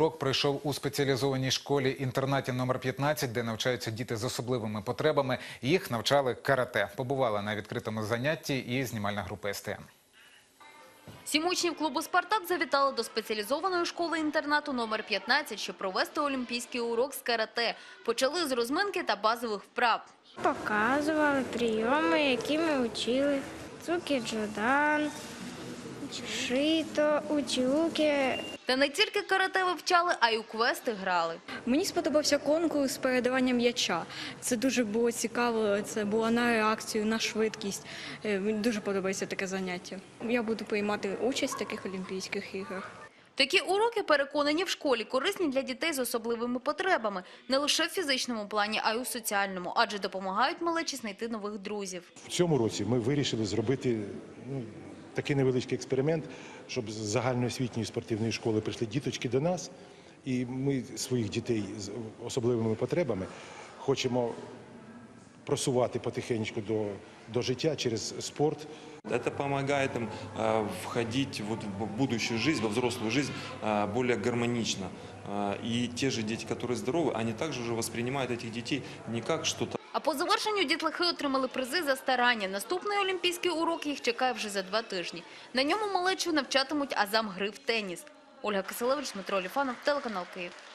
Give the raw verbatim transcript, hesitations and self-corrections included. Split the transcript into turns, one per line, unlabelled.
урок пройшов у спеціалізованій школі-інтернаті номер п'ятнадцять, де навчаються діти з особливими потребами. Їх навчали карате. Побувала на відкритому занятті і знімальна група ес те ен.
Сім учнів клубу «Спартак» завітали до спеціалізованої школи-інтернату номер п'ятнадцять, щоб провести олімпійський урок з карате. Почали з розминки та базових вправ.
Показували прийоми, які ми вчили. Цуки-джодан, шито, учуки.
Та не тільки карате вивчали, а й у квести грали.
Мені сподобався конкурс з передавання м'яча. Це дуже було цікаво, це було на реакцію, на швидкість. Мені дуже подобається таке заняття. Я буду приймати участь в таких Олімпійських іграх.
Такі уроки, переконані, в школі корисні для дітей з особливими потребами. Не лише в фізичному плані, а й у соціальному, адже допомагають малечі знайти нових друзів.
В цьому році ми вирішили зробити ну, такий невеличкий експеримент, щоб з загальноосвітньої спортивної школи прийшли діточки до нас, і ми своїх дітей з особливими потребами хочемо просувати потихеньку до, до життя через спорт.
Это помогает им э, входить вот в будущую жизнь, во взрослую жизнь э, более гармонично. Э, и те же дети, которые здоровы, они также уже воспринимают этих детей не как что-то.
А по завершенню дітлахи отримали призи за старання. Наступний олімпійський урок їх чекає вже за два тижні. На ньому малечу навчатимуть азам гри в теніс. Ольга Киселевич, Дмитро Оліфанов, телеканал Київ.